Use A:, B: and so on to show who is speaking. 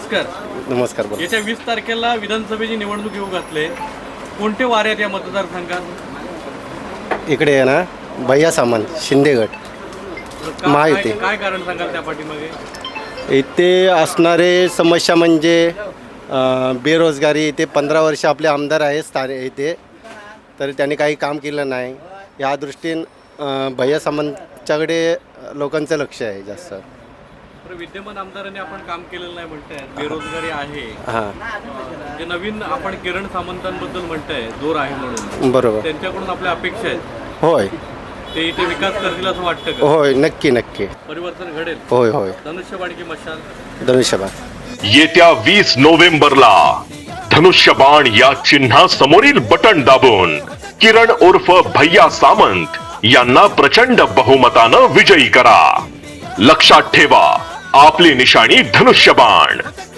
A: नमस्कार.
B: नमस्कार. बोला.
A: येत्या 20 तारखेला विधानसभेची निवडणूक येऊ घातले. कोणते वारे आहेत या मतदारसंघात?
B: इकडे आहे ना भैया सामंत शिंदेगड महायुती.
A: काय कारण सांगाल त्या पाठीमागे?
B: इथे असणारे समस्या म्हणजे बेरोजगारी. इथे 15 वर्ष आपले आमदार आहे इथे, तर त्यांनी काही काम केलं नाही. या दृष्टीने भैया सामंतच्याकडे लोकांचं लक्ष आहे जास्त.
A: विद्यमान आमदारांनी आपण काम केलेलं नाही म्हणताय, बेरोजगारी आहे.
B: हां,
A: जे नवीन आपण किरण सामंतांबद्दल म्हणताय, जोर आहे म्हणून,
B: बरोबर.
A: त्यांच्याकडून आपल्या अपेक्षा आहेत.
B: होय
A: ते इथे विकास करतील असं वाटतं का?
B: होय, नक्की नक्की.
A: परिवर्तन घडेल?
B: होय होय.
A: धनुष्यबाण की मशाल?
B: धनुष्यबाण.
C: येत्या 20 नोव्हेंबरला धनुष्यबाण या चिन्हा समोरील बटन दाबून किरण उर्फ भैया सामंत यांना प्रचंड बहुमतानं विजयी करा. लक्षात ठेवा, आपली निशाणी धनुष्यबाण.